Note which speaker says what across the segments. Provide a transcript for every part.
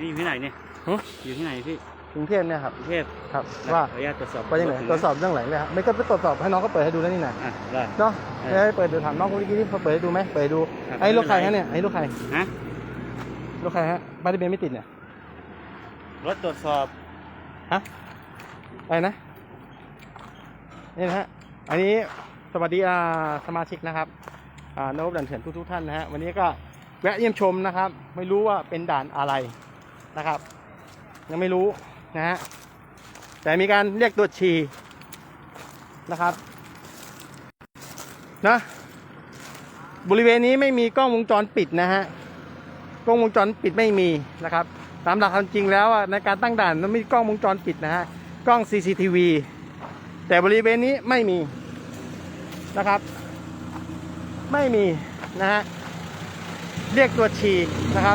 Speaker 1: นี่อยู่ที่ไหนเนี่ยอยู่ที่ไหนพี่
Speaker 2: กรุงเทพเนี่ยครับ
Speaker 1: กรุงเทพ
Speaker 2: ครับว่า
Speaker 1: ขออนุญาตตรวจสอบ
Speaker 2: ไปยังไงตรวจสอบเรื่องไหนเลยครับไม่ก็ไปตรวจสอบให้น้องก็เปิดให้ดูแล้วนี่นะ
Speaker 1: ได้
Speaker 2: เนาะให้เปิดดูถามน้องคนเมื่อกี้ที่เขาเปิดให้ดูไหมเปิดดูไอ้ลูกใครฮะเนี่ยไอ้ลูกใคร
Speaker 1: ฮะ
Speaker 2: ลูกใครฮะบ้านทะเบียนไม่ติดเนี่ย
Speaker 1: รถตรวจสอบ
Speaker 2: ฮะอะไรนะนี่นะฮะอันนี้สวัสดีสมาชิกนะครับนพด่านเถื่อนทุกท่านนะฮะวันนี้ก็แวะเยี่ยมชมนะครับไม่รู้ว่าเป็นด่านอะไรนะครับยังไม่รู้นะฮะแต่มีการเรียกตรวจฉี่นะครับนะบริเวณนี้ไม่มีกล้องวงจรปิดนะฮะกล้องวงจรปิดไม่มีนะครับตามหลักความจริงแล้วในการตั้งด่านมันมีกล้องวงจรปิดนะฮะกล้อง CCTV แต่บริเวณนี้ไม่มีนะครับไม่มีนะฮะเรียกตรวจฉี่นะครับ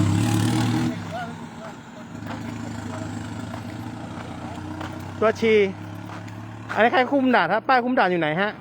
Speaker 2: ตัวฉี่อันนี้ใครคุมด่านครับป้ายคุมด่านอยู่ไหนฮะ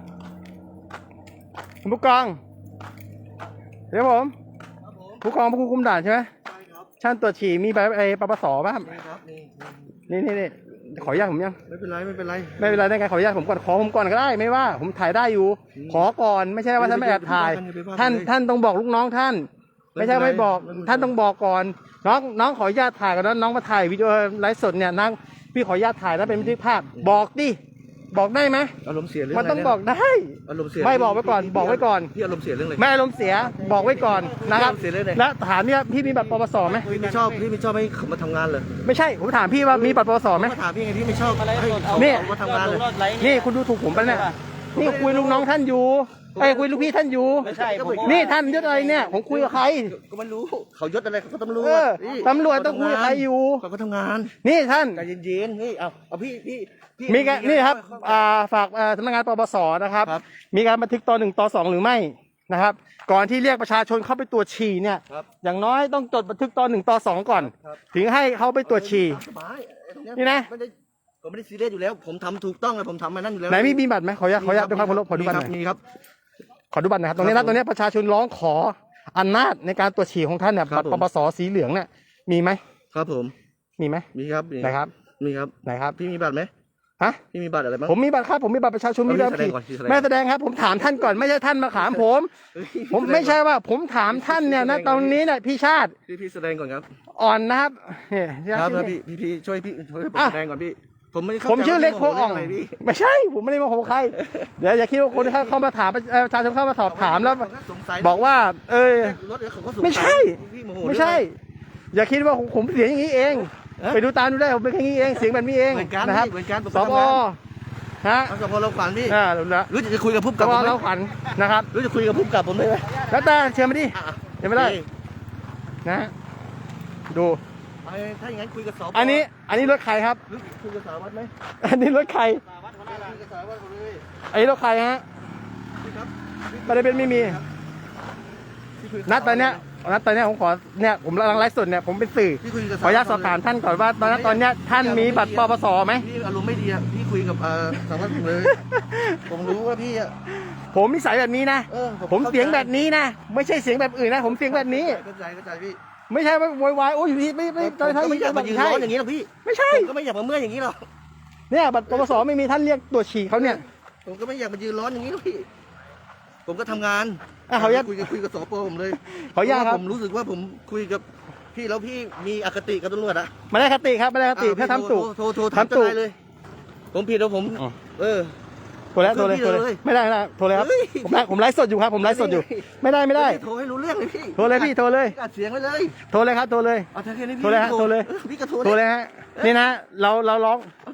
Speaker 2: คุณผู้กองเดี๋ยวผมผู้กองผู้คุมด่านใช่ไหมช่างตรวจฉี่มีใบปปสป่ะครับนี่ขออนุญาตผมยัง
Speaker 1: ไม่เป็นไร
Speaker 2: ได้ไงขออนุญาตผมก่อนขอผมก่อนก็ได้ไม่ว่าผมถ่ายได้อยู่ขอก่อนไม่ใช่ว่าท่านไม่แอบถ่ายท่านต้องบอกลูกน้องท่านไม่ใช่ไม่บอกท่านต้องบอกก่อนน้องขออนุญาตถ่ายก่อนน้องมาถ่ายวิดีโอไลฟ์สดเนี่ยนั่งพี่ขออนุญาตถ่ายแล้วเป็นบันทึกภาพบอกดิบอกได้ไหม
Speaker 1: อารมณ์เสียเรื่อง
Speaker 2: มันต้องบอกได้
Speaker 1: อารมณ์เสีย
Speaker 2: ไม่บอกไว้ก่อนบอกไว้ก่อน
Speaker 1: พี่อารมณ์เสียเรื่องอะไร
Speaker 2: ไม่อารมณ์เสียบอกไว้ก่อนนะครับและถามเนี่ยพี่มีบัตรปปสไหม
Speaker 1: พี่ไม่ชอบให้เขามาทำงานเลย
Speaker 2: ไม่ใช่ผมถามพี่ว่ามีบัตรปปสไหม
Speaker 1: ถามพี่ไงพี่ไม่ชอบ
Speaker 2: นี่
Speaker 1: มาทำงานเลย
Speaker 2: นี่คุณดูถูกผมปะเนี่ยนี่คุยลูกน้องท่านอยู่คุยลูกพี่ท่านอยู่
Speaker 1: ไม่ใช่
Speaker 2: นี่ท่านยศอะไรเนี่ยผมคุยกับใคร
Speaker 1: ก็ไม่รู้เขายศอะไรเขาก็ตำรวจ
Speaker 2: ตำรวจต้องคุยกับใครอยู่
Speaker 1: เขาก็ทำงาน
Speaker 2: นี่ท่าน
Speaker 1: ใจเย็นๆนี่เอาพี่
Speaker 2: มีการนี่ครับฝากสำนักงานปปสนะครับมีการบันทึกต.1 ต.2หรือไม่นะครับก่อนที่เรียกประชาชนเข้าไปตรวจฉี่เนี่ยอย่างน้อยต้องจดบันทึกต.1 ต.2ก่อนถึงให้เขาไปตรวจฉี่นี่นะ
Speaker 1: ผมไม่ได้ซีเรียสอยู่แล้วผมทำถูกต้องเลยผมทำมานั่นอยู่แล้ว
Speaker 2: ไหนมีบัตรไหมขออนุญาตด้วยความเคารพขอดูบัตรหน่อย
Speaker 1: มีครับ
Speaker 2: ขอดูบัตรนะครับตรงนี้ประชาชนร้องขออำนาจในการตรวจฉี่ของท่านเนี่ยบัตรปปสสีเหลืองเนี่ยมีไหม
Speaker 1: ครับผม
Speaker 2: มีไหม
Speaker 1: มีครับ
Speaker 2: ไหนครับ
Speaker 1: มีครับ
Speaker 2: ไหนครับ
Speaker 1: พี่มีบัตรไหม
Speaker 2: ฮะ
Speaker 1: พี่มีบัตรอะไรบ้าง
Speaker 2: ผมมีบัตรครับผมมีบัตรประชาชนมีแบบไม่แสดงครับผมถามท่านก่อนไม่ใช่ท่านมาถามผมไม่ใช่ว่าผมถามท่านเนี่ยนะตรงนี้เนี่ยพี่ชาติ
Speaker 1: พี่แสดงก่อนครับ
Speaker 2: อ่อนนะครับ
Speaker 1: ครับพี่ช่วยแสดงก่อนพี่
Speaker 2: ผมชื่อเล็กโพอ่องไม่ใช่ผมไม่ได้มาโหใครเดี๋ยวอย่าคิดว่าคนที่เข้ามาถามประชาชนเข้ามาสอบถามแล้วบอกว่าไม่ใช่อย่าคิดว่าผมเสียงอย่างนี้เองไปดูตามดูได้ผมเป็นแค่นี้เองเสียงแบบนี้เองนะครับสบฮะ
Speaker 1: สบเราขวัญพี่รู้จะคุยกับผู้
Speaker 2: กำกับเราขวัญนะครับ
Speaker 1: รู้จะคุยกับผู้กำกับผมได้ไหม
Speaker 2: แล้วแต่เชื่อมาดิเชื่อไม่ได้นะดู
Speaker 1: ถ้าอย่างนั้นคุยกับสบ
Speaker 2: อันนี้รถใครครับ
Speaker 1: คุยกับสารวัตรไหม
Speaker 2: อันนี้รถใครไอ้รถใครฮะประเด็นไม่มีนัดตอนเนี้ยผมขอเนี่ยผมกำลังไลฟ์สดเนี่ยผมเป็นสื่อขออนุญาตสอบถามท่านก่อนว่าตอนเนี้ยท่านมีบัตรปปสไหม
Speaker 1: พี่อารมณ์ไม่ดีอ่ะพี่คุยกับสารวัตรผมเลยผมรู้ว่าพี่อ่ะ
Speaker 2: ผมนิสัยแบบนี้นะผมเสียงแบบนี้นะไม่ใช่เสียงแบบอื่นนะผมเสียงแบบนี้
Speaker 1: เข้าใจพี่
Speaker 2: ไม่ใช่ว่าโวยวายโอ้ยอยู่ที่ไม่ตอนท้าย
Speaker 1: ไม่อยากมายืนร้อนอย่างนี้หรอกพี่
Speaker 2: ไม่ใช่
Speaker 1: ก็ไม่อยากมาเมื่อยอย่างนี้หรอก
Speaker 2: เนี่ยบัตรปปสไม่มีท่านเรียกตรวจฉี่เขาเนี่ย
Speaker 1: ผมก็ไม่อยากมายืนร้อนอย่างนี้หรอกพี่ผมก็ทำงาน
Speaker 2: เขา
Speaker 1: คุยกับสปผมเลย
Speaker 2: เขายากครับ
Speaker 1: ผมรู้สึกว่าผมคุยกับพี่แล้วพี่มีอคติกับตำรวจอะ
Speaker 2: ไม่ได้คติครับไม่ได้คติแค่ทำตู่
Speaker 1: ทำตู่เลยผมผิดแล้วผม
Speaker 2: โทรแล้วไม่ได้โทรเลยครับผมไลฟ์สดอยู่ครับผมไลฟ์สดอยู่ไม่ได้
Speaker 1: โทรให้รู้เรื่องเลยพี่
Speaker 2: โทรเลยพี่โทรเลย
Speaker 1: อัดเสียงไว้เลย
Speaker 2: โทรเลยครับโทรเลยโทรเลยฮะโทรเลย
Speaker 1: พี่ก็โทร
Speaker 2: เลยฮะนี่นะเราร้อง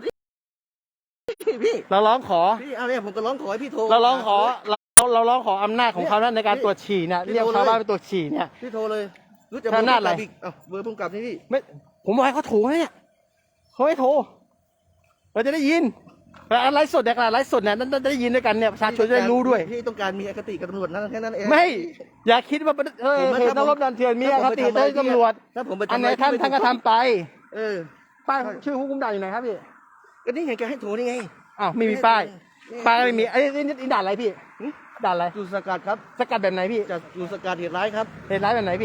Speaker 1: พี่
Speaker 2: เราร้องขอ
Speaker 1: พี่อะไรผมก็ร้องขอให้พี่โทร
Speaker 2: เราร้องขอเราร้องขออำนาจของเขาในการตรวจฉี่เนี่ยเรียกชาวบ้านไปตรวจฉี่เนี่ย
Speaker 1: พี่โทรเลยรู้จัก
Speaker 2: อำนาจอะไร
Speaker 1: เบอร์พุ่งกลับนี่พี่
Speaker 2: ไม่ผมบอกให้เขาโทรเนี่ยเขาให้โทรเราจะได้ยินไลฟ์สดเนี่ยไลฟ์สดเนี่ยนั่นจะได้ยินด้วยกันเนี่ยประชาชนจะได้รู้ด้วย
Speaker 1: พี่ต้องการมีอคติกับตำรวจนั่นแค่นั้นเอง
Speaker 2: ไม่อย่าคิดว่าเหตุนักรบดันเถื่อนมีอคติต่อตำรวจอันไหนท่านก็ทำไปป้ายชื่อผู้คุมด่านอยู่ไหนครับพี่
Speaker 1: ก็นี่ไงแกให้โทรนี่ไง
Speaker 2: อ้าวไม่มีป้ายไม่มีไอ้นี่ด่านอะไรพี่ด่านอะไร
Speaker 1: จุดสกัดครับ
Speaker 2: สกัดแบบไหนพี่
Speaker 1: จุดสกัดเหตุร้ายครับ
Speaker 2: เหตุร้ายแบบไหนพี่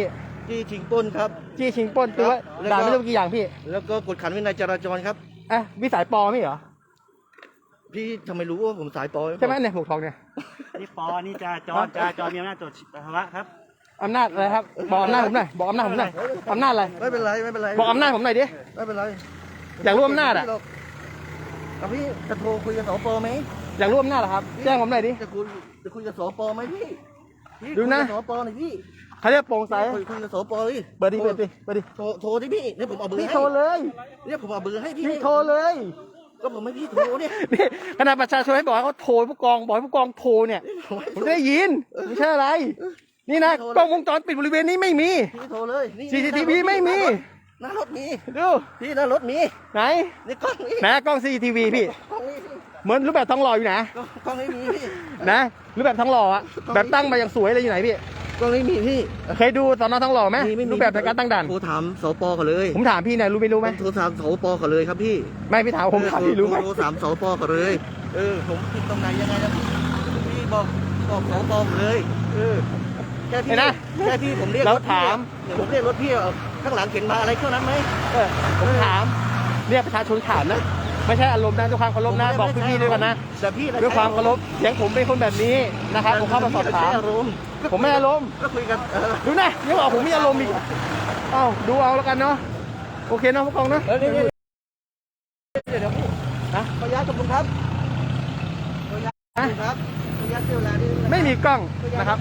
Speaker 1: จี้ชิงปล้นครับ
Speaker 2: จี้ชิงปล้นตัว
Speaker 1: แล้วก็
Speaker 2: ด่านไม่รู้กี่อย่างพี่
Speaker 1: แล้วก็กดขันวินัยจราจรครับ
Speaker 2: วิสัยปอไม่เหรอ
Speaker 1: พี่ทำไมรู้ว่าผมสายปอ
Speaker 2: ใช่ไหมเนี่ยหมวกทองเนี่ย
Speaker 3: นี่ปอนี่จราจรมีอำนาจตรวจปัสสาวะครับ
Speaker 2: อำนาจอะไรครับบอกอำนาจผมหน่อยบอกอำนาจผมหน่อยอำนาจอะไร
Speaker 1: ไม่เป็นไรไม่เป็นไร
Speaker 2: บอกอำนาจผมหน่อยดิ
Speaker 1: ไม่เป็นไร
Speaker 2: อยากรู้อำนาจอะ
Speaker 1: เอาพี่จะโทรคุยกับสปไหม
Speaker 2: อยากรู้อำนาจเหรอครับแจ้งผมหน่อยดิ
Speaker 1: จะคุยกับสปไหมพี่
Speaker 2: ดูนะ
Speaker 1: คุยกับสปหน่อยพี่
Speaker 2: เขาเรียกโปร่งใส
Speaker 1: คุยกับสปเลย
Speaker 2: เปิดดิเปิดดิเปิดดิ
Speaker 1: โทรที่พี่เนี่ยผมเอาเบอร์
Speaker 2: พี่
Speaker 1: ให้
Speaker 2: โทรเลย
Speaker 1: เนี่ยผมเอาเบอร์ให้พี่
Speaker 2: พี่โทรเลย
Speaker 1: ก็ผมไม่พี่โทรเนี่ย
Speaker 2: นี่ขณะประชาชนให้บอกให้เขาโทรผู้กองบอกให้ผู้กองโทรเนี่ยผมได้ยินไม่ใช่อะไร นี่นะกล้องวงจรปิดบริเวณนี้ไม่มี
Speaker 1: พี่โทรเลยนี่
Speaker 2: CCTV ไม่มี
Speaker 1: หน้ารถมี
Speaker 2: ดู
Speaker 1: พี่หน้ารถมี
Speaker 2: ไหน
Speaker 1: นี่กล้องนี้
Speaker 2: ไหนกล้อง CCTV พี่
Speaker 1: กล้องนี้พี่
Speaker 2: เหมือนรูปแบบทองหล่ออยู่ไหน
Speaker 1: กล้องนี้มีพี่
Speaker 2: นะรูปแบบทองหล่ออะแบบตั้งมาอย่างสวยเลยอยู่ไหนพี่
Speaker 1: กล้องนี้มีพี่
Speaker 2: เคยดูสอนอทองหล่อไหม
Speaker 1: ไม่มี
Speaker 2: รูปแบบในการตั้งด่าน
Speaker 1: โทรถามสปก่อนเลย
Speaker 2: ผมถามพี่เนี่ยรู้ไม่รู้ไหม
Speaker 1: โทรถามสปก่อนเลยครับพี่
Speaker 2: ไม่พี่ถามผมถามพี่รู้ไหม
Speaker 1: โทรถามสปก่อนเลยผมผิดตรงไหนยังไงนะพี่บอกสปผมเลยแค่พี่
Speaker 2: เห็นนะ
Speaker 1: แค่พี่ผมเรียก
Speaker 2: เรา
Speaker 1: รถพี่
Speaker 2: ถาม
Speaker 1: เดี๋ยวผมเรียกรถพี่ข้างหลังเข็นมาอะไรเครื่องนั้นไหม
Speaker 2: ผมถามเรียกประชาชนถามนะไม่ใช่อารมณ์นะด้วยความเคารพนะบอกพี่ๆด้วยกันนะ
Speaker 1: แต่พี่
Speaker 2: ด้วยความเคารพเสียงผมเป็นคนแบบนี้นะครับผมเข้ามาสอบถาม
Speaker 1: อารมณ์
Speaker 2: ผมไม่อารมณ์
Speaker 1: ก็คุยกัน
Speaker 2: ดูนะยังบอกผมมีอารมณ์อีกเอ้าดูเอาแล้วกันเนาะโอเคเนาะผู้กองเนาะ
Speaker 1: เดี๋ยวพี่นะขออนุญาตขอบคุณครับขออนุญาตครับขออนุญาตเสียเวลานิดนึงนะ
Speaker 2: ไม่มีกล้องนะครับ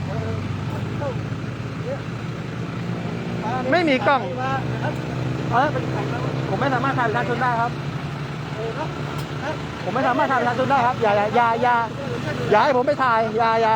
Speaker 2: ไม่มีกล้อง ผมไม่สามารถถ่ายประชาชนได้ครับ ผมไม่สามารถถ่ายประชาชนได้ครับอย่าให้ผมไปถ่ายอย่า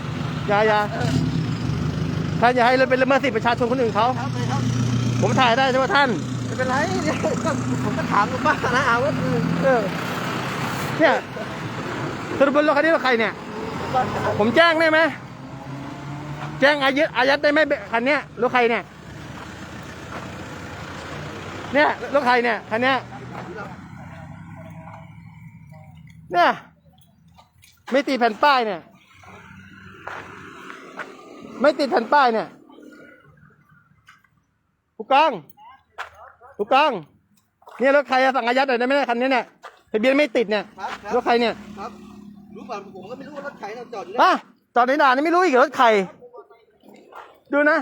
Speaker 2: ท่านอย่าให้เป็นละเมิดสิทธิประชาชนคนอื่นเขา
Speaker 1: ครับเลยครับ
Speaker 2: ผมถ่ายได้ใช่ไหมท่าน
Speaker 1: ไม่เป็นไรเนี่ยก็ผมก็ถามลูกบ้านนะว่าคือ
Speaker 2: เนี่ยสรุปบนรถคันนี้รถใครเนี่ย ผมแจ้งได้ไหมแจ้งอายัดได้ไหมคันเนี้ยรถใครเนี่ยเนี่ยรถใครเนี่ยคันเนี้ยเนี่ยไม่ติดแผ่นป้ายเนี่ยไม่ติดแผ่นป้ายเนี่ยผู้กองเนี่ยรถใครอะสั่งอายัดหน่อยได้ไหมเนี่ยคันนี้เนี่ยทะเบียนไม่ติดเนี่ยรถใครเนี่ย
Speaker 1: ครับรู้ป่ะผมก็ไม่รู้ว่ารถใครจอดอยู่
Speaker 2: อ่ะจอดในด่านนี่ไม่รู้อีกเหรอรถใครดูนะ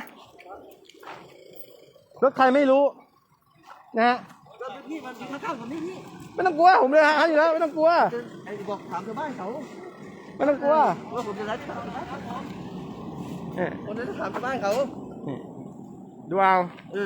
Speaker 2: รถใครไม่รู้นะฮะ
Speaker 1: พี่มันข้างๆผมนี่พี่
Speaker 2: ไม่ต้องกลัวผมเลยหาอยู่แล้วไม่ต้องกลัว
Speaker 1: ไอ้บอกถามชาวบ้านเขา
Speaker 2: ไม่ต้องกลัว
Speaker 1: ว่าผมจะรักถามชาวบ้านเขา
Speaker 2: เนี่ย
Speaker 1: คนนั้นถามชาวบ้านเขา
Speaker 2: ดูเอา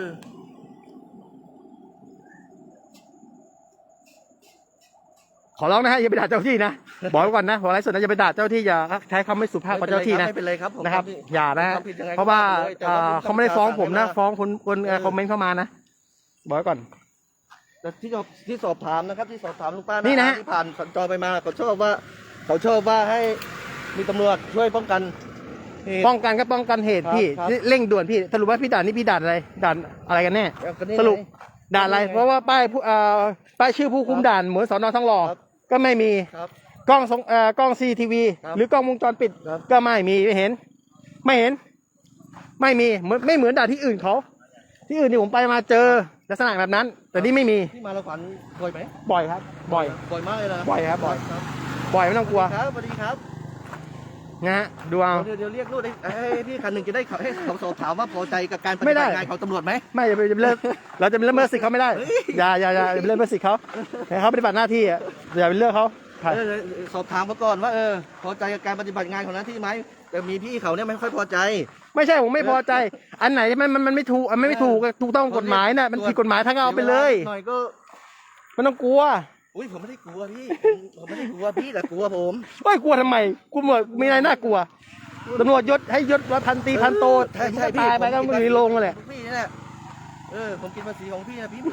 Speaker 2: ขอร้องนะฮะอย่าไปด่าเจ้าที่นะบอกไว้ก่อนนะบอกอะไรส่วนนะอย่าไปด่าเจ้าที่อย่าใช้คำไม่สุภาพกับเจ้าที่นะ
Speaker 1: ไม่เป็นไรครับผม
Speaker 2: นะครับอย่านะฮะเพราะว่าเขาไม่ได้ฟ้องผมนะฟ้องคนคอมเมนต์เข้ามานะบอกไว้ก่อน
Speaker 1: แต่ที่สอบถามนะครับที่สอบถามลุงป้า
Speaker 2: นี่นะ
Speaker 1: ที่ผ่านสัญจรไปมาเขาชอบว่าให้มีตำรวจช่วยป้องกันเหตุ
Speaker 2: ป้องกันก็ป้องกันเหตุพี่
Speaker 1: ครับ
Speaker 2: เร่งด่วนพี่สรุปว่าพี่ด่านนี่พี่ด่านอะไรด่านอะไรกันแน่
Speaker 1: ก็นี่
Speaker 2: สรุป
Speaker 1: ไง
Speaker 2: ด่านอะไร
Speaker 1: นี่ไง
Speaker 2: เพราะว่าป้ายชื่อผู้คุมด่านเหมือนสอนอทองหล่อ
Speaker 1: ครับ
Speaker 2: ก็ไม่มี
Speaker 1: ครับ
Speaker 2: กล้องCCTV
Speaker 1: ครับ
Speaker 2: หรือกล้องวงจรปิด
Speaker 1: ครับ
Speaker 2: ก็ไม่มีไม่เห็น ไม่มีไม่เหมือนด่านที่อื่นเขาที่อื่นที่ผมไปมาเจอลักษณะแบบนั้น แต่นี่ไม่มี
Speaker 1: ที่มาละขวัญบ่อยไหม
Speaker 2: บ่อยครับ บ่อย
Speaker 1: บ่อยมากเลยนะ
Speaker 2: บ่อยครับบ่อย
Speaker 1: ครับ
Speaker 2: บ่อยไม่ต้องกลัว
Speaker 1: ครับสวัสดีครับ
Speaker 2: นะฮะดูเอา
Speaker 1: เดี๋ยวเรียกลูกให้พี่คันหนึ่งจะได้ให้เขาสอบถามว่าพอใจกับการป
Speaker 2: ไม่
Speaker 1: ฏิ
Speaker 2: ได้
Speaker 1: บัติงานของตำรวจไหม
Speaker 2: ไม่อย่าไปเลิกเราจะไปละเมิดสิทธิ์เขาไม่ได้
Speaker 1: เฮ้ย
Speaker 2: อย่าไปละเมิดสิทธิ์เขาให้เขาปฏิบัติหน้าที่อะอย่าไปเลือกเขา
Speaker 1: สอบถามมาก่อนว่าพอใจกับการปฏิบัติงานของหน้าที่ไหมแต่มีพี่เขาเนี่ยไม่ค่อยพอใจ
Speaker 2: ไม่ใช่ผมไม่พอใจ อันไหนมันไม่ถูกไม่ถูกถูกต้องกฎหมายน่ะมันผิดกฎหมายทั้งเอาไปเลย
Speaker 1: หน่อยก็
Speaker 2: มันต้องกลัว
Speaker 1: อุ้ยผมไม่ได้กลัวพี่ผมไม่ได้กลัวพี่แต่กลัวผม
Speaker 2: เฮ้ยกลัวทำไมกูหมดมีอะไรน่ากลัวตำรวจยศให้ยศว่าพันตรีพันโต
Speaker 1: ใช่พี่
Speaker 2: ตายไปก็มือลงเลยแหละ
Speaker 1: พี่นี่แหละผมกินภาษีของพี่นะพี่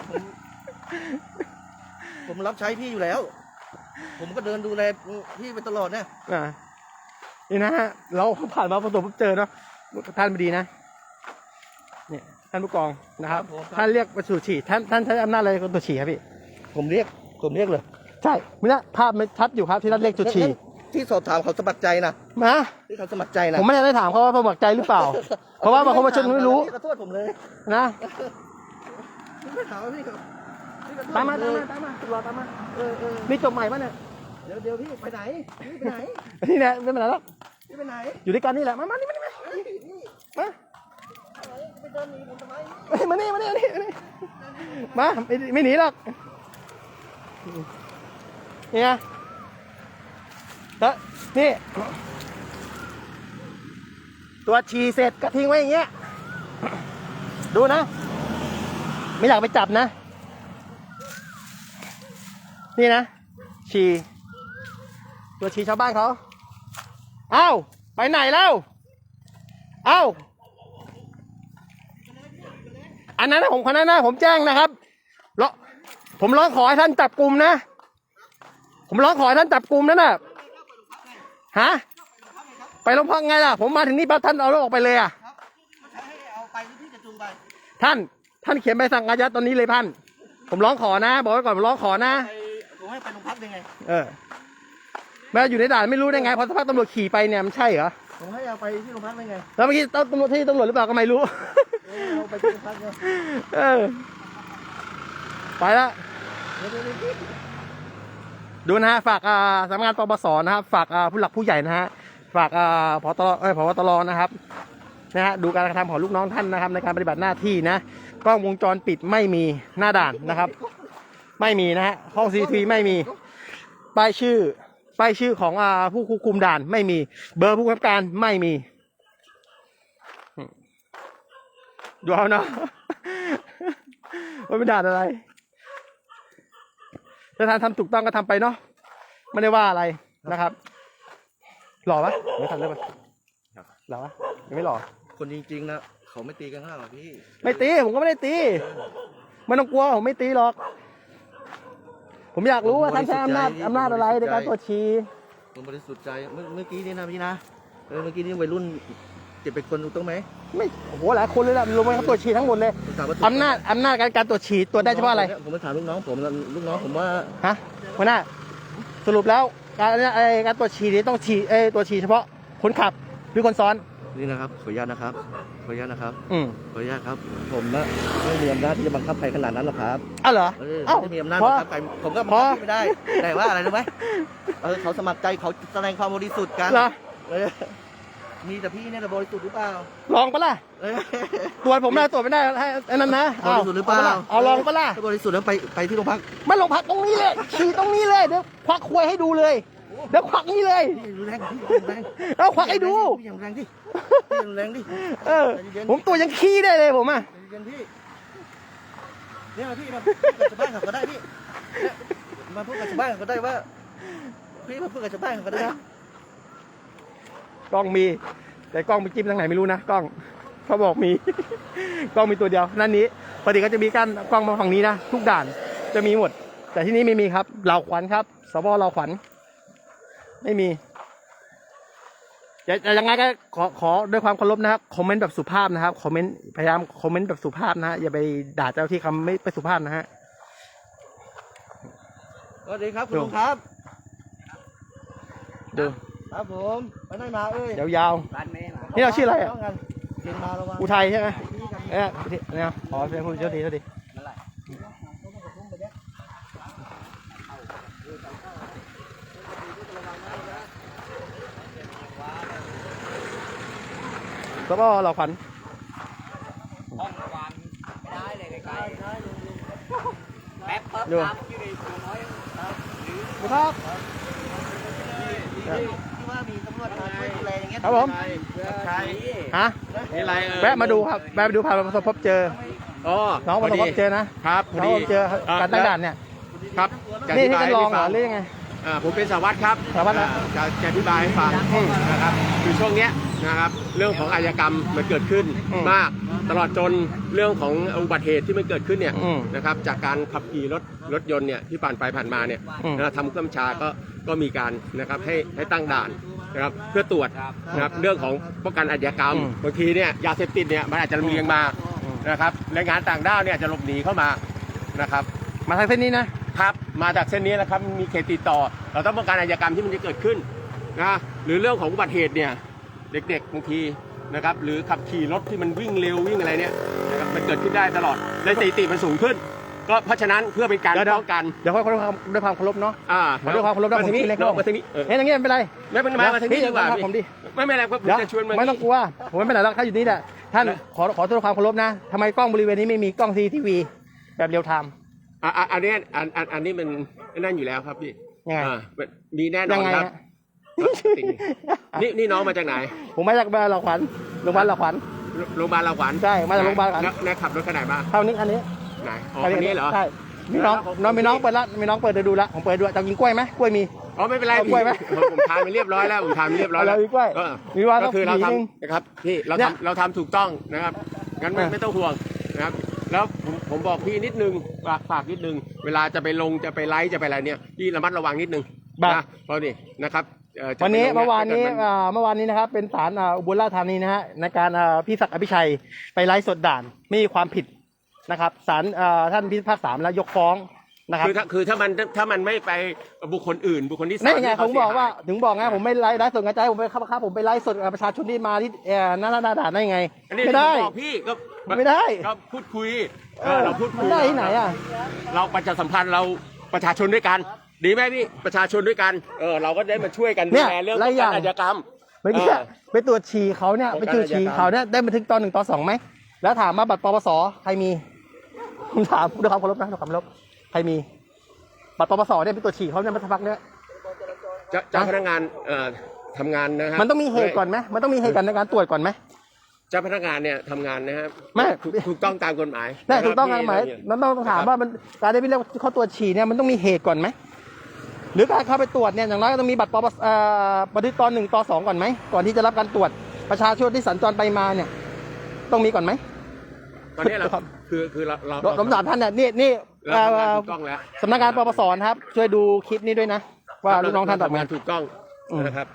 Speaker 1: ผมรับใช้พี่อยู่แล้ว ผมก็เดินดูแลพี่ไปตลอดเนี่ย
Speaker 2: นี่นะฮะเราผ่านมาประสบพบเจอเนาะท่านไม่ดีนะเนี่ยท่านผู้กองนะครับท่านเรียกประสูฉี่ท่านใช้อำนาจอะไรกับตัวฉี่ครับพี่
Speaker 1: ผมเรียกเลย
Speaker 2: ใช่ไม่นะภาพมันชัดอยู่ครับที่ท่านเรียกจุดฉี่
Speaker 1: ที่สอบถามเขาสมัครใจนะ
Speaker 2: มา
Speaker 1: ที่เขาสมัครใจนะ
Speaker 2: ผมไม่ได้ถามเขาว่าสมัครใจหรือเปล่า เพราะว่าบางคนมาชนไม่รู้
Speaker 1: พี่ขอโทษผมเลย
Speaker 2: นะ
Speaker 1: พี่ไม่ถามว่าพี่ครับพี่ขอโทษ
Speaker 2: ตามมา
Speaker 1: ผ
Speaker 2: ตาม
Speaker 1: เล
Speaker 2: มาย ตามมารอตามมา
Speaker 1: เออ
Speaker 2: มีจบใหม่ป่ะเนี่ย
Speaker 1: เดี๋ยวพี่ไปไหนพี่ไปไหน
Speaker 2: นี่แหละไม่เป็นไรหรอก
Speaker 1: พี่ไปไหน
Speaker 2: อยู่ด้วยกันนี่แหละมานี่มา
Speaker 1: เฮ้ยนี่
Speaker 2: มา
Speaker 1: อะไรไปเดินหนีผมทำไม
Speaker 2: เฮ้ยมานี่มาไม่หนีหรอกนี่ไงแล้วนี่ตัวฉี่เสร็จก็ทิ้งไว้อย่างเงี้ยดูนะ ไม่อยากไปจับนะ นี่นะฉี่ตัวฉี่ชาวบ้านเขาเอ้าไปไหนแล้วเอ้าอันนั้นนะผมคนนั้นนะผมแจ้งนะครับผมร้องขอให้ท่านจับกลุ่มนะผมร้องขอให้ท่านจับกลุ่มนั่นน่ะฮะไปโรงพักไงล่ะผมมาถึงนี่ปั๊บท่านเอารถออกไปเลยอ่ะ
Speaker 1: ครับไม่ใช่ให้เอาไปหรือพี่จะจูงไป
Speaker 2: ท่านเขียนใบสั่งอายัดตอนนี้เลยท่านผมร้องขอนะบอกไว้ก่อนผมร้องขอนะ
Speaker 1: ผมให้ไปโรงพักได้ไง
Speaker 2: แม่อยู่ในด่านไม่รู้ได้ไงพอสักพักตำรวจขี่ไปเนี่ยมันใช่เหรอ
Speaker 1: ผมให้เอาไปที่โรงพักได้ไง
Speaker 2: แล้วเมื่อกี้ตำรวจที่ตำรวจหรือเปล่าก็ไม่รู้
Speaker 1: เอาไปที่โรงพักเนี่ย
Speaker 2: ไปละดูนะฮะฝากสำนักงานปปสนะครับฝากผู้หลักผู้ใหญ่นะฮะฝากผบตรนะครับนะฮะดูการกระทำของลูกน้องท่านนะครับในการปฏิบัติหน้าที่นะกล้องวงจรปิดไม่มีหน้าด่านนะครับ ไม่มีนะฮะห้องซีทีไม่มีป้ายชื่อของผู้ควบคุมด่านไม่มีเบอร์ผู้กำกับการไม่มีดูเอาเนาะ ว่าเป็นด่านอะไรถ้าท่านทำถูกต้องก็ทำไปเนาะไม่ได้ว่าอะไรนะครับหล่อปะไม่ทันเลยปะหล่อปะยังไม่หล่อ
Speaker 1: คนจริงๆนะเขาไม่ตีกันข้างหรอกพี่
Speaker 2: ไม่ตีผมก็ไม่ได้ตีไม่ต้องกลัวผมไม่ตีหรอก ผมอยากรู้ว่าท่านใช้อำนาจอะไรในการตรวจฉี่
Speaker 1: ผมบริสุทธิ์ใจเมื่อกี้นี่นะพี่นะเมื่อกี้นี่วัยรุ่น7-8คนถูกต้องไหม
Speaker 2: ไม่โอ้โหหลายคนเลยล่ะรวมกันเขาตรวจฉี่ทั้งหมดเลย
Speaker 1: ผมถามว่า
Speaker 2: อำนาจการตรวจฉี่ตรวจได้เฉพาะอะไร
Speaker 1: ผมไปถามลูกน้องผมว่า
Speaker 2: ฮะหัวหน้าสรุปแล้วการตรวจฉี่นี้ต้องฉี่ตรวจฉี่เฉพาะคนขับหรือคนซ้อน
Speaker 1: นี่นะครับขออนุญาตนะครับขออนุญาตนะครับ
Speaker 2: อืม
Speaker 1: ขออนุญาตครับผมนะไม่มีอำนาจที่จะบังคับใครขนาดนั้นหรอกครับ
Speaker 2: อ้าวเหรอ
Speaker 1: ไม่มีอำนาจบังคับใครผมก็บังคับไม่ได้แต่ว่าอะไรรู้ไหมเขาสมัครใจเขาแสดงความบริสุทธิ์กัน
Speaker 2: เหรอ
Speaker 1: มีแต่พี่เนี่ยแต่บริสุทธิ์หรือเปล่า
Speaker 2: ลองปะล่ะตรวจผมได้ตรวจไม่ได้ให้ไอ้นั่นนะ
Speaker 1: บริสุทธิ์หรือเปล่า
Speaker 2: เอาลองปะล่ะ
Speaker 1: ถ้าบริสุทธิ์แล้วไปที่โรงพัก
Speaker 2: ไม่ลงพักตรงนี้เลยฉี่ตรงนี้เลยเดี๋ยวควักควยให้ดูเลยเดี๋ยวควักนี้เลย
Speaker 1: พี่แรงพี่แรง
Speaker 2: เอาควักให้ดู
Speaker 1: พี่อย่างแรงดิพี่อย่างแรงดิ
Speaker 2: ผมตัวยังขี้ได้เลยผมอ่ะ
Speaker 1: เย็นพี่เนี่ยพี่มาพูดกับชาวบ้านเขาก็ได้พี่มาพูดกับชาวบ้านเขาก็ได้ว่าพี่มาพูดกับชาวบ้านเขาก็ได้
Speaker 2: กล้องมีแต่กล้องไปจิ้มทางไหนไม่รู้นะกล้องเขาบอกมี กล้องมีตัวเดียวนั่นนี้ปกติก็จะมีกั้นกล้องมาฝั่งนี้นะทุกด่านจะมีหมด แต่ที่นี่ไม่มีครับเหล่าขวัญครับสบเหล่าขวัญไม่มีจะยังไงก็ขอด้วยความเคารพนะครับคอมเมนต์แบบสุภาพนะครับคอมเมนต์พยายามคอมเมนต์แบบสุภาพนะฮะอย่าไปด่าเจ้าที่คำไม่สุภาพนะฮะ
Speaker 1: สวัสดีครับคุณลุงครับ
Speaker 2: ดู
Speaker 1: ครับผมไปไหนมาเอ้ย
Speaker 2: ยาวๆนี่เราชื่ออะไรอ่ะ
Speaker 1: เรียนมาแล้วว่า
Speaker 2: อุทัยใช่ไหมเนี่ยขอเป็นผู้โชคดีสบเหล่าขวัญ
Speaker 4: ห้องวางไม่ได้เลยไกลๆแป๊บปั๊บน้ำอยู่ในตัวน้อย
Speaker 2: ครับ
Speaker 1: ที่ว่ามีตำรวจมาช่วยดูแลอย่างเงี้ย
Speaker 2: ครับผม
Speaker 4: ใช่
Speaker 2: ฮะ
Speaker 4: นี่อะไร
Speaker 2: แวะมาดูครับแวะมาดูผ่านประสบพบเจอ
Speaker 4: อ๋อ
Speaker 2: น้องประสบพบเจอนะครับ
Speaker 4: พอ
Speaker 2: น้อง
Speaker 4: ดี
Speaker 2: เจอการตั้งด่านเนี่ย
Speaker 4: ครับจะอ
Speaker 2: นี่
Speaker 4: ธิ
Speaker 2: นี่
Speaker 4: บาย
Speaker 2: เป็นรองเหร
Speaker 4: ให้
Speaker 2: อ
Speaker 4: ฟัง
Speaker 2: หรือยังไง
Speaker 4: ผมเป็นสารวัตรครับ
Speaker 2: สารวัตรนะ
Speaker 4: จะอธิบายให้ฟังนะครับคือช่วงเนี้ยนะครับเรื่องของอาชญากรรมมันเกิดขึ้นมากตลอดจนเรื่องของอุบัติเหตุที่มันเกิดขึ้นเนี่ยนะครับจากการขับขี่รถยนต์เนี่ยที่ผ่านไปผ่านมาเนี่ยทำเครื่องชาก็มีการนะครับให้ตั้งด่านนะครับเพื่อตรวจนะครับเรื่องของป้องกันอาชญากรรมบางทีเนี่ยยาเสพติดเนี่ยมันอาจจะลำเลียงมานะครับแรงงานต่างด้าวเนี่ยจะหลบหนีเข้ามานะครับ
Speaker 2: มาทางเส้นนี้นะครับ
Speaker 4: มาจากเส้นนี้นะครับมีเขตติดต่อเราต้องป้องกันอาชญากรรมที่มันจะเกิดขึ้นนะหรือเรื่องของอุบัติเหตุเนี่ยเด็กๆบางทีนะครับหรือขับขี่รถที่มันวิ่งเร็ววิ่งอะไรเนี่ยนะครับมันเกิดขึ้นได้ตลอดและสถิติมันสูงขึ้น ก็เพราะฉะนั้นเพื่อเป็นการป้องกัน
Speaker 2: เดี๋ยวค่อยด้วยความเคารพเนาะ ด้วยความเคารพนะผมชื่อเล็ก
Speaker 4: มาทางนี้
Speaker 2: อย่างเงี้ยไม่เป็นไร
Speaker 4: ไม่เป็นไรมาทางนี้ดีกว่า
Speaker 2: ผมดิ
Speaker 4: ไม่เป็นไรผมจะชวนมา
Speaker 2: ไม่ต้องกลัวผมไม่เป็นไรหรอกถ้าอยู่นี่แหละท่านขอด้วยความเคารพนะทำไมกล้องบริเวณนี้ไม่มีกล้องCCTVแบบเรียลไทม์
Speaker 4: อันนี้มันนั่นอยู่แล้วครับพี่
Speaker 2: ยังไง
Speaker 4: มีแน่นอนครับนี่น้องมาจากไหน
Speaker 2: ผมมาจากโรงพยาบาลเราขวัญโรงพยาบาลเราขวัญ
Speaker 4: โรงพยาบาลเราขวัญ
Speaker 2: ใช่มาจากโรงพยาบาลขวัญ
Speaker 4: แล้วขับรถขนาดบ้าง
Speaker 2: เท่านี้อันนี้
Speaker 4: ไหนอ๋อคันนี้เหรอ
Speaker 2: ใช่มีน้องเปิดละมีน้องเปิดดูละผมเปิดดูจะกินกล้วยไหมกล้วยมี
Speaker 4: อ๋อไม่เป็นไร
Speaker 2: กล้วยไหม
Speaker 4: ผมทานไปเรียบร้อยแล้วผมทานไปเรียบร้อยแล้ว
Speaker 2: มีกล้วยมีว่า
Speaker 4: ก็คือเรา
Speaker 2: ต้อง
Speaker 4: ทำนะครับพี่เราทำถูกต้องนะครับงั้นไม่ต้องห่วงนะครับแล้วผมบอกพี่นิดนึงฝากนิดนึงเวลาจะไปลงจะไปไลฟ์จะไปอะไรเนี่ยพี่ระมัดระวังนิดนึงนะเพราะนี่นะครับ
Speaker 2: วันนี้เมื่อวานนี้นะครับเป็นศาลอุบลราชธานีนะฮะในการพี่ศักดิ์อภิชัยไปไลฟ์สดด่านไม่มีความผิดนะครับศาลท่านพิพากษาแล้วยกฟ้องนะครับ
Speaker 4: คือถ้ามันไม่ไปบุคคลอื่นบุคคลที่สาม
Speaker 2: นี่ไงผมบอกว่าถึงบอกไงผมไม่ไลฟ์สดกระจายผมไปครับผมไปไลฟ์สดประชาชนที่มาที่หน้าด่านได้ไงไม่ได้
Speaker 4: พี่ก็
Speaker 2: ไม่ได้
Speaker 4: ก็พูดคุยเราพูดคุย
Speaker 2: ได้ที่ไหนอ่ะ
Speaker 4: เราประชาสัมพันธ์เราประชาชนด้วยกันดีไหมพี่ประชาชนด้วยกันเราก็ได้มาช่วยกันดูแลเรื่องการอาชญากรรม
Speaker 2: เมื่อกี้ไปตรวจฉี่เขาเนี่ยไปตรวจฉี่เขาเนี่ยได้บันทึกตอน 1 ตอน 2ไหมแล้วถามมาบัตรปปสใครมีผมถามด้วยความเคารพนะด้วยความเคารพใครมีบัตรปปสเนี่ยไปตรวจฉี่เขาเนี่ยมาสักพักเนี่ย
Speaker 4: เจ้าพนักงานทำงานนะครับ
Speaker 2: มันต้องมีเหตุก่อนไหมมันต้องมีเหตุการในการตรวจก่อนไหม
Speaker 4: เจ้าพนักงานเนี่ยทำงานนะครับ
Speaker 2: ไม่
Speaker 4: ถูกต้องตามกฎหมาย
Speaker 2: ได้ถูกต้องตามกฎหมายมันต้องถามว่ามันการได้ไปเรียกเขาตรวจฉี่เนี่ยมันต้องมีเหตุก่อนไหมหรือการเข้าไปตรวจเนี่ยอย่างน้อยก็ต้องมีบัตรบันทึกตอน 1 ตอน 2ก่อนไหมก่อนที่จะรับการตรวจประชาชนที่สัญจรไปมาเนี่ยต้องมีก่อนไหม
Speaker 4: ตอนนี้เราคือเรา
Speaker 2: สมศักดิ์ท่านเนี่ยนี่สำนักงานปปสครับช่วยดูคลิปนี้ด้วยนะว่าลูกน้องท่านทำงาน
Speaker 4: ถูกต้องนะครับ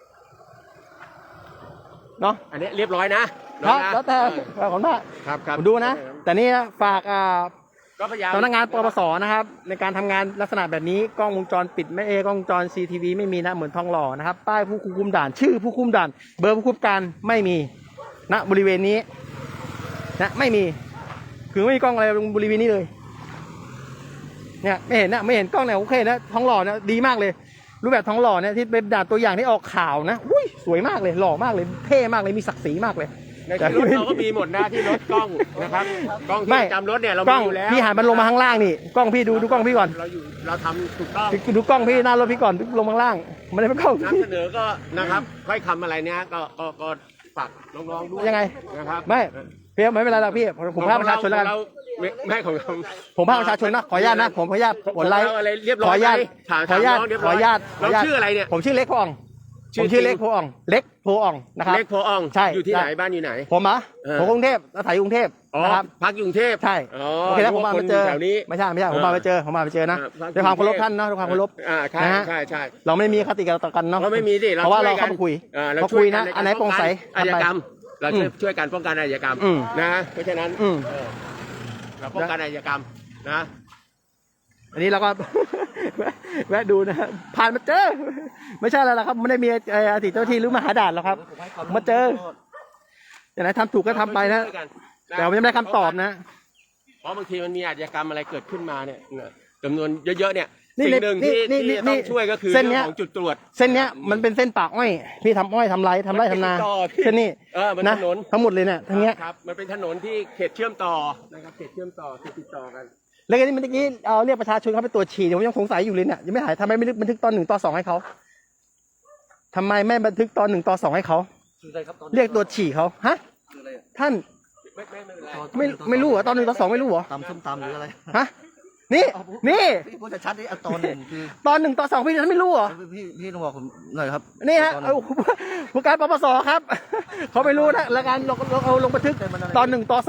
Speaker 2: เนาะ
Speaker 4: อันนี้เรียบร้อยนะ
Speaker 2: แล้วแต่ขอบคุณมาก
Speaker 4: ครับ
Speaker 2: ดูนะแต่นี่ฝากสำนักงานปปสนะครับในการทำงานลักษณะแบบนี้กล้องวงจรปิดไม่กล้องวงจรCCTVไม่มีนะเหมือนทองหล่อนะครับป้ายผู้คุมด่านชื่อผู้คุมด่านเบอร์ผู้คุมการไม่มีณบริเวณนี้นะไม่มีคือไม่มีกล้องอะไรบริเวณนี้เลยเนี่ยไม่เห็นกล้องเนี่ยโอเคนะทองหล่อนะดีมากเลยรูปแบบทองหล่อเนี่ยที่เป็นด่านตัวอย่างที่ออกข่าวนะอุ้ยสวยมากเลยหล่อมากเลยเท่มากเลยมีศักดิ์ศรีมากเลย
Speaker 4: ในที่รถเราก็มีหมดนะที่รถกล้องนะครับกล้องที่จำรถเนี่ยเรามีอยู่แล้ว
Speaker 2: พี่หันมันลงมาข้างล่างนี่กล้องพี่ดูกล้องพี่ก่อน
Speaker 4: เราทำถูกต้อง
Speaker 2: ดูกล้องพี่หน้ารถพี่ก่อนลงมาข้างล่างไม่ได้เป็นกล้อง
Speaker 4: นำเสนอก็นะครับค่อยคำอะไรเนี้ยก็ฝากน้องๆด้วย
Speaker 2: ยังไง
Speaker 4: นะครับ
Speaker 2: ไม่เพียงไม่เป็นไรหรอกพี่ผมพาประชาชนแล้ว
Speaker 4: ไม่ของ
Speaker 2: ผมพาประชาชนนะขออนุญาตนะผมขออนุญาตกดไลค์ขออนุญาต
Speaker 4: เราชื่ออะไรเนี่ย
Speaker 2: ผมชื่อเล็กโพอ่องผมชื่อเล็กโพอ่องนะครับ
Speaker 4: เล็กโพอ่อง
Speaker 2: ใช่
Speaker 4: อยู่ที่ไหนบ้านอยู่ไหน
Speaker 2: ผมกรุงเทพอาศัยกรุงเทพนะครับ
Speaker 4: พักกรุงเทพ
Speaker 2: ใช่โอเคแล้วผมมาเจอไม่ใช่ผมมาเจอนะด้วยความเคารพท่านนะด้วยความเคารพ
Speaker 4: นะใช่
Speaker 2: เราไม่มีคติต่อกันเนาะ
Speaker 4: ไม่มีดิ
Speaker 2: เพราะว่าเราเข้าไปคุยเราคุยนะอันไหนโปร่งใส
Speaker 4: อาชญากรรมเราช่วยกันป้องกันอาชญากรรมนะเพราะฉะนั้นเราป้องกันอาชญากรรมนะ
Speaker 2: อันนี้เราก็แวะดูนะผ่านมาเจอไม่ใช่อะไรหรอกครับไม่ได้มีอดีตเจ้าที่หรือมหาด่านหรอกครับมาเจออย่างไรทำถูกก็ทำไปนะแต่ผมยังไม่ได้คำตอบนะ
Speaker 4: เพราะบางทีมันมีอาชญากรรมอะไรเกิดขึ้นมาเนี่ยจำนวนเยอะๆเนี่ยสิ่งหนึ่งที่ต้องช่วยก็คือเรื่องของจุดตรวจ
Speaker 2: เส้นเนี้ยมันเป็นเส้นปากอ้อยพี่ทำอ้อยทำไรทำนาเส้นนี้นะทั้งหมดเลยเนี่ยทั้งเนี้ย
Speaker 4: ครับมันเป็นถนนที่เขตเชื่อมต่อนะครับเขตเชื่อมต่อติดต่อกัน
Speaker 2: แล้วก็นี่เมื่อกี้เรียกประชาชนเข้าไปตรวจฉี่ผมยังสงสัยอยู่เลยเนี่ยยังไม่หายทำไมไม่บันทึกตอน 1 ตอน 2ให้เขาทำไมไม่บันทึกตอน 1 ตอน 2ให้เขาเรียกตรวจฉี่เขาฮะท่านไม่รู้เหรอตอน 1 ตอน 2ไม่รู้เหรอ
Speaker 1: ตำส้มตำหรืออะไร
Speaker 2: ฮะนี่
Speaker 1: พูดชัดๆนี่ตอน 1คือ
Speaker 2: ตอน 1 ตอน 2พี่ท่านไม่รู้เหรอ
Speaker 1: พี่ต้องบอกผมหน่อยครับ
Speaker 2: นี่ฮะผู้การปปสครับเขาไม่รู้นะแล้วการเราลงบันทึกตอน 1 ตอน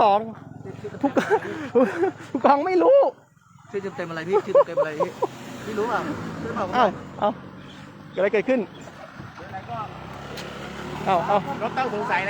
Speaker 2: 2ผู้กองไม่รู้
Speaker 1: ชื่อเต็มอะไรพี่ชื่อเต็มอะไรพี่รู้อ่ะ
Speaker 2: เอาเกิดอะไรเกิดขึ้น
Speaker 4: รถต้องสงสัย